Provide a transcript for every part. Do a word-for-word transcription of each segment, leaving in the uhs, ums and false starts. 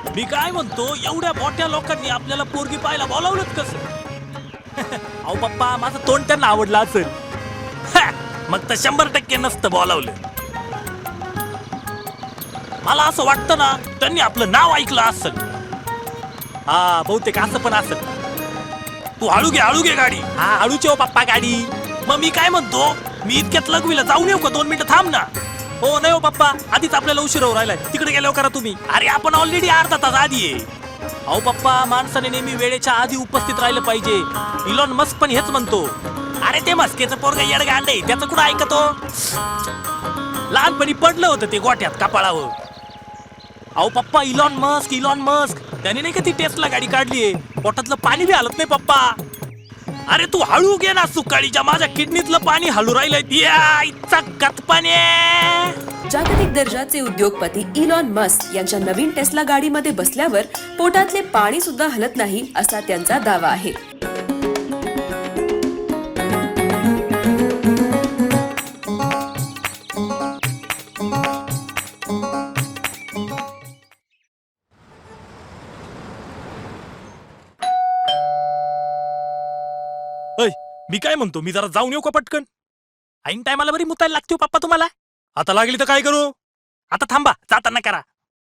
मी काय म्हणतो, एवढ्या मोठ्या लोकांनी आपल्याला पोरगी पाहायला बोलावलंच कसं? अहो पप्पा, माझं तोंड त्यांना आवडलं असेल. हा, मग तर शंभर टक्के नसतं बोलावलं. मला असं वाटतं ना, त्यांनी आपलं नाव ऐकलं असेल. हा, बहुतेक असं पण असेल. तू हळू घे, हळू घे गाडी. हा, हळूच हो पप्पा गाडी. मग मी काय म्हणतो, मी इतक्यात लघवीला जाऊन येऊ का? दोन मिनिटं थांब ना. हो नाही हो पप्पा, आधीच आपल्याला उशीर होऊ राहिलाय. तिकडे गेल्यावर करा तुम्ही. अरे आपण ऑलरेडी अर्धा तास आधी आहे. अहो पप्पा, माणसाने नेहमी वेळेच्या आधी उपस्थित राहिलं पाहिजे. इलॉन मस्क पण हेच म्हणतो. अरे ते मस्केचं पोरग येडगांड आहे, त्याचं कुठं ऐकतो? लहानपणी पडलं होतं ते गोठ्यात कपाळावर. अहो पप्पा, इलॉन मस्क इलॉन मस्क त्याने नाही का ती टेस्ला गाडी काढलीये. पोटातलं पाणी बी हलत नाही पप्पा. अरे तू हळू घे ना, सुकाळीच्या माझ्या किडनीतलं पाणी हलू राहिलंय. या इतका कतपाने. जागतिक दर्जाचे उद्योगपती इलॉन मस्क यांच्या नवीन टेस्ला गाडीमध्ये बसल्यावर पोटातले पाणी सुद्धा हलत नाही असा त्यांचा दावा आहे. अय, मी काय म्हणतो, मी जरा जाऊन येऊ का पटकन? ऐन टायमाला बरी मुतायला लागते हो पप्पा तुम्हाला. आता लागली तर काय करू? आता थांबा, जाताना करा.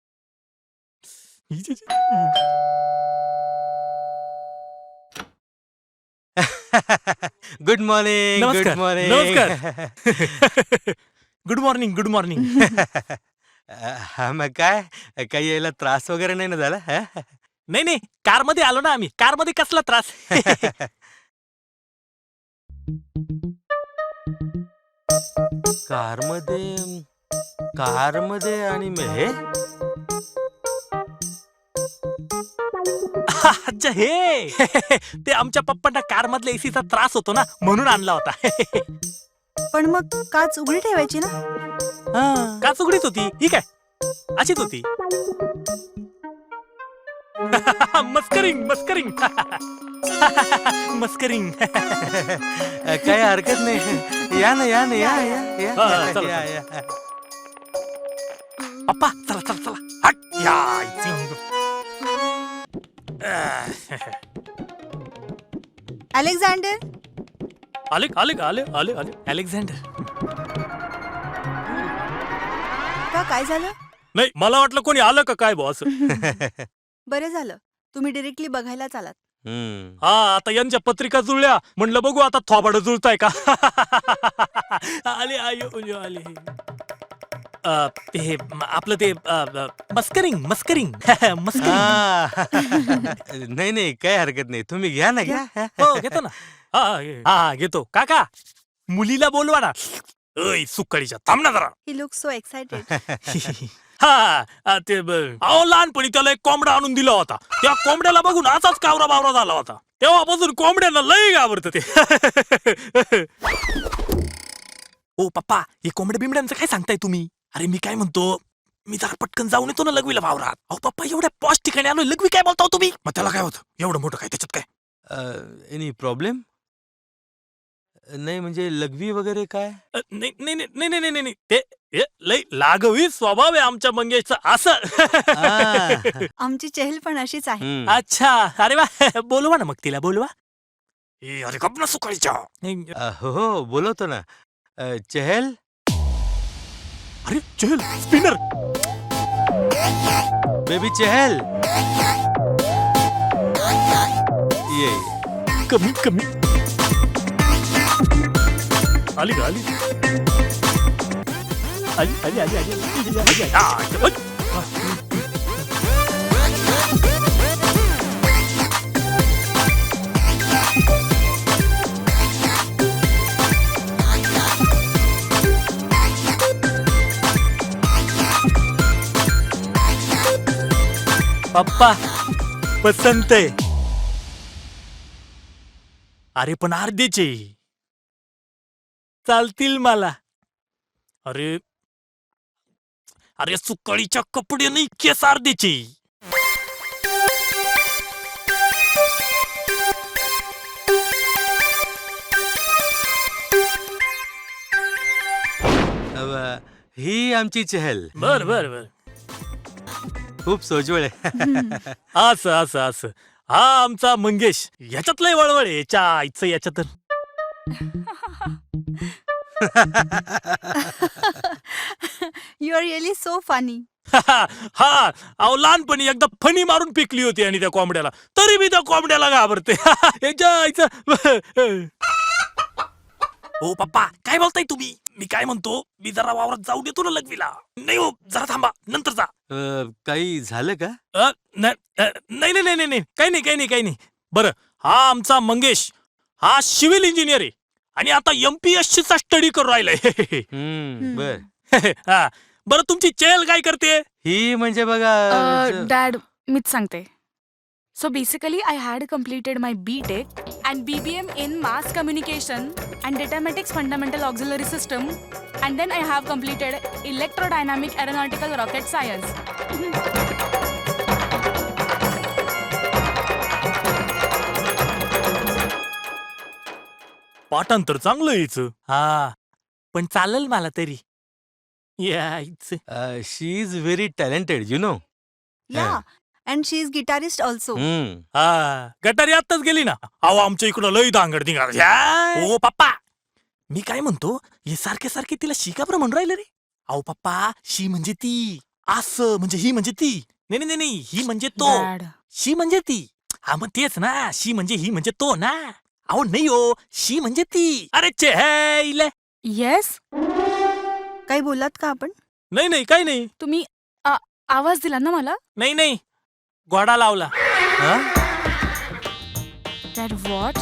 Good morning. गुड नमस्कार, मॉर्निंग. नमस्कार. Good morning, good morning. हा, मग काय, काही यायला त्रास वगैरे नाही ना झाला? हा? नाही नाही, कार मध्ये आलो ना आम्ही. कार मध्ये कसला त्रास? कारमध्ये कारमध्ये आणि मग हे अच्छा, हे ते आमच्या पप्पांना कार मधल्या एसीचा त्रास होतो ना, म्हणून आणला होता. पण मग काच उघडी ठेवायची ना. का चुगडीच होती ही काय? अशीच होती. मस्करिंग मस्करिंग मस्करिंग. काही हरकत नाही. या ना, या ना, या या या, हा, चला, या, या. पप्पा चला चला चला. हट या इथे. अलेक्झांडर, आले आले आले आले आले अलेक्झांडर. का काय झालं? नाही, मला वाटलं कोणी आलं का काय बॉस. बरं झालं, तुम्ही डिरेक्टली बघायलाच आलात. हम्म. हा, आता यांच्या पत्रिका जुळल्या, म्हणलं बघू आता थोबाड जुळताय का. आले आयो आले. अ, ते म- आपलं ते अ, अ, मस्करिंग मस्करिंग मस्करिंग. हा. नाही नाही, काही हरकत नाही. तुम्ही घ्या ना, घ्या. हो घेतो ना. हा घे. हा घेतो. काका, मुलीला बोलवा ना. अय सुकाळीच्या, थांब ना जरा. He look so excited. हा अ, ते ब- अहो लहानपणी त्याला एक कोंबडा आणून दिला होता. त्या कोंबड्याला बघून असाच कावरा बावरा झाला होता. तेव्हापासून कोंबड्यांना लई घाबरतं ते. ओ पप्पा, हे कोंबड्या बिंबड्यांचं काय सांगताय तुम्ही? अरे मी काय म्हणतो, मी जरा पटकन जाऊन येतो ना लघवीला वावरात. अहो पप्पा, एवढ्या पॉश ठिकाणी आलोय, लघवी काय बोलताव तुम्ही? मग त्याला काय होतं? एवढं मोठं काय त्याच्यात काय? Any problem? नाही म्हणजे लघवी वगैरे काय? अ, नाही नाही नाही नाही नाही नाही नाही. ते हे, लई लागवी स्वभाव आहे आमच्या मंगेशचा असं. आ. आमची चेहल पण अशीच आहे. हम्म. अच्छा, अरे वा. बोलवा ना मग तिला, बोलवा. ए, अरे गप ना सुकाळीच्या. नाही, अ, हो हो, बोलवतो ना. अ, चहल. अरे चल स्पिनर. बेबी चहल, ये. कमी कमी. आली का आली आली आली आली आली आली, आली, आली. आ, ओय. पप्पा पसंत आहे. अरे पण अर्धेचे चालतील मला. अरे अरे सुकाळीच्या कपडे नाही, केस अर्धेचे. ही आमची चहल. बर बर बर. खूप सोजवळ आहे. असं असं असं हा आमचा मंगेश याच्यात लय वळवळ आहे याच्या आईचं याच्यात तर. You are really so funny. हा अहो लहानपणी एकदा फणी मारून पिकली होती आणि त्या कोंबड्याला, तरी मी त्या कोंबड्याला घाबरते. याच्या आईचं. हो पप्पा काय बोलताय तुम्ही? मी काय म्हणतो, मी जरा वावरात जाऊ देतो ना लघवीला. नाही हो जरा थांबा नंतर जा. अ, काही झालं का? अ, न- अ, नाही नाही नाही नाही नाही. काही नाही काही नाही काही नाही. बरं हा आमचा मंगेश हा सिव्हिल इंजिनियर आहे आणि आता एमपीएससी चा स्टडी करून राहिलाय. हम्म, बर. हा बरं तुमची चेल काय करते? ही म्हणजे बघा ज- डॅड मीच सांगते. So basically I had completed my B tech and B B M in mass communication and datamatics fundamental auxiliary system and then I have completed electrodynamic aeronautical rocket science. पाठांतर चांगलं यायचं. हा पण चालेल मला तरी. यायचं. Uh, she is very talented you know. Yeah and she is guitarist also. हा गटारी आत्ताच गेली ना. अहो आमच्या इकडं लय दांगड दिंगाड. ओ पप्पा मी काय म्हणतो, हे सारखे सारखे तिला शिका बरं म्हणून राहिले रे. अहो पप्पा शी म्हणजे ती, असं म्हणजे ही म्हणजे ती. नाही नाही नाही, नाही ही म्हणजे तो, डॅड शी म्हणजे ती. हा मग तेच ना, शी म्हणजे ही म्हणजे तो ना. अहो नाही हो, शी म्हणजे ती. अरे चेहले. येस काही बोलात का आपण? नाही नाही काही नाही. तुम्ही आ- आवाज दिला ना मला. नाही नाही घोडा लावला. Dad what?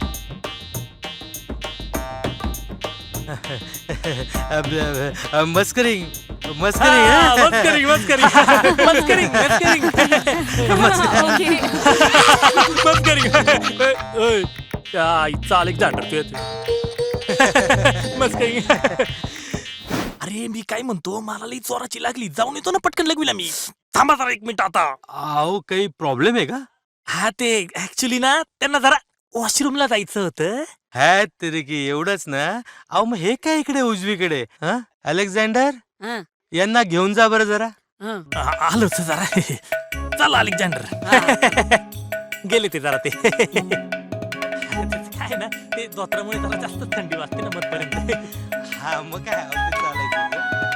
मस्करिंग हा, मस्करिंग मस्करिंग मस्करिंग मस्करिंग मस्करिंग ओके. मस्करिंग. ओय, त्या आईचा अलेक्झांडर तू येते. मस्करिंग. अरे मी काय म्हणतो, मला लई चोराची लागली. जाऊन येतो ना पटकन लघवीला मी. थांबा जरा एक मिनिट आता. अहो काही प्रॉब्लेम आहे का? हा ते ऍक्च्युली ना त्यांना जरा वॉशरूमला जायचं होतं. हॅ तरी की एवढंच ना. अहो मग हे काय इकडे उजवीकडे? हा अलेक्झांडर हं, यांना घेऊन जा बरं जरा. हं. आ- आलोच जरा. चल अलेक्झांडर. गेले ते जरा ते. काय ना ते धोत्रामुळे जरा जास्त थंडी वाजते ना मधपर्यंत. हा मग काय अहो, ते चालायचं.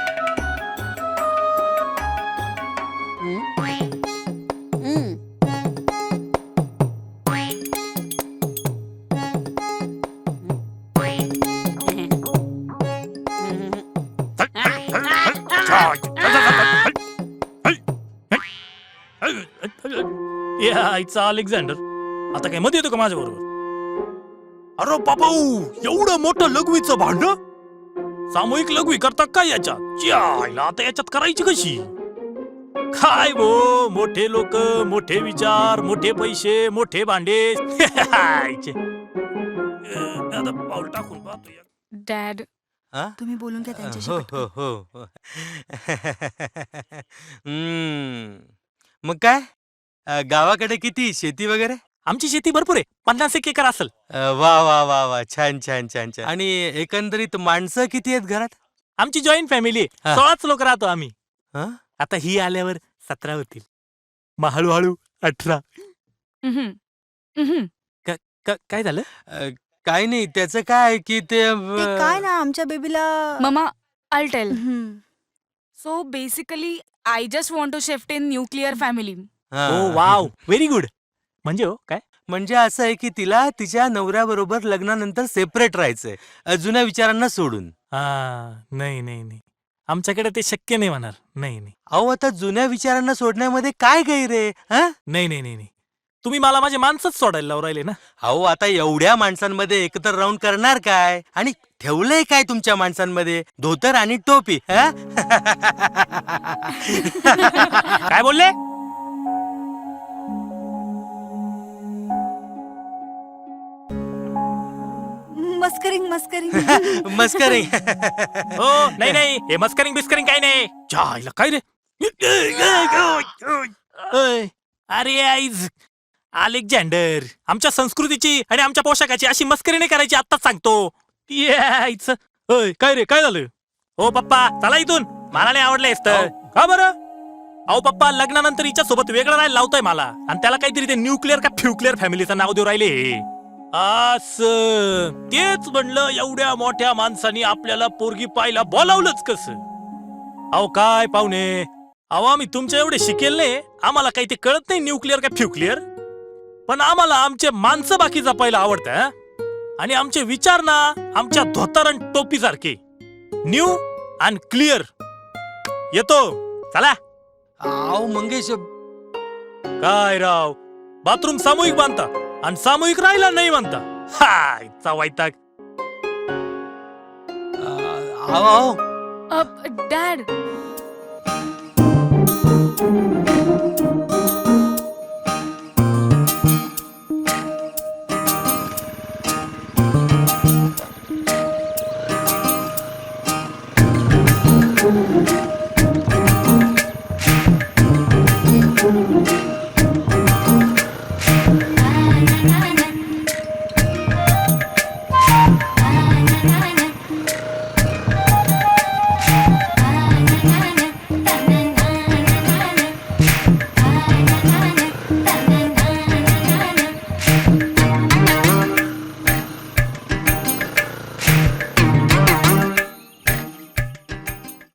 हं. या आईचा अलेक्झांडर आता काय मध्ये येतो का माझ्या बरोबर? अरे बाबाऊ एवढं मोठं लघवीचं भांड सामूहिक लघवी करता काय याच्यात? च्या आईला आता याच्यात करायची कशी काय भो? मोठे लोक, मोठे विचार, मोठे पैसे, मोठे भांडे. आईचे. अं, आता पाऊल टाकून पाहतो या. डॅड हा? तुम्ही बोलून घ्या त्यांच्याशी हो पटकन. हो हो हो. हम्म. मग काय अ, गावाकडे किती शेती वगैरे? आमची शेती भरपूर आहे, पन्नास एक एकर असेल. अ, वा वा वा वा छान छान छान छान. आणि एकंदरीत माणसं किती आहेत घरात? आमची जॉईंट फॅमिली आहे, हा. सोळाच लोक राहतो आम्ही. हा? आता ही आल्यावर सतरा होतील, मग हळूहळू अठरा. उम्हम. उम्हम. क- काय झालं? अ, काही नाही त्याचं काय की ते अ, ते काय ना आमच्या बेबीला. ममा आल टेल. Hmm. So basically I just want to shift in nuclear family. हा. Oh wow very good. म्हणजे हो काय? म्हणजे असं आहे की तिला तिच्या नवऱ्याबरोबर लग्नानंतर सेपरेट राहायचंय अ, जुन्या विचारांना सोडून. हा नाही नाही नाही आमच्याकडे ते शक्य नाही होणार. नाही नाही अहो आता जुन्या विचारांना सोडण्यामध्ये काय गैर आहे? हा? नाही नाही नाही नाही तुम्ही मला माझे माणसंच सोडायला लावून राहिले ना. अहो आता एवढ्या माणसांमध्ये एकत्र राहून करणार काय? आणि ठेवलंय काय तुमच्या माणसांमध्ये? धोतर आणि टोपी. हा? काय बोलले? मस्करिंग मस्करिंग. मस्करी. हो नाही नाही हे मस्करिंग बिस्करिंग काय नाही. जायला काय रे? ओय, अरे आईज अलेक्झांडर आमच्या संस्कृतीची आणि आमच्या पोशाखाची अशी मस्करी नाही करायची, आत्ताच सांगतो. यायचं. ओय काय रे काय झालं? हो पप्पा चला इथून, मला नाही आवडलं तर. का बरं? अहो पप्पा लग्नानंतर हिच्या सोबत वेगळं राहायला लावतोय मला आणि त्याला काहीतरी ते न्यूक्लिअर का फ्युक्लिअर फॅमिलीचं नाव देऊ राहिले असं तेच म्हणलं एवढ्या मोठ्या माणसानी आपल्याला पोरगी पाहायला बोलावलंच कसं. अहो काय पाहुणे, अहो आम्ही तुमच्या एवढे शिकेल नाही, आम्हाला काही ते कळत नाही न्यूक्लिअर का फ्युक्लिअर, पण आम्हाला आमचे माणसं बाकी जपायला आवडतं आणि आमचे विचार ना आमच्या धोतर आणि टोपी सारखे न्यू अँड क्लिअर. येतो चला. अहो मंगेश, काय राव, बाथरूम सामूहिक बांधता आणि सामूहिक राहिला नाही म्हणता. हा इतका वैताग. अहो डॅड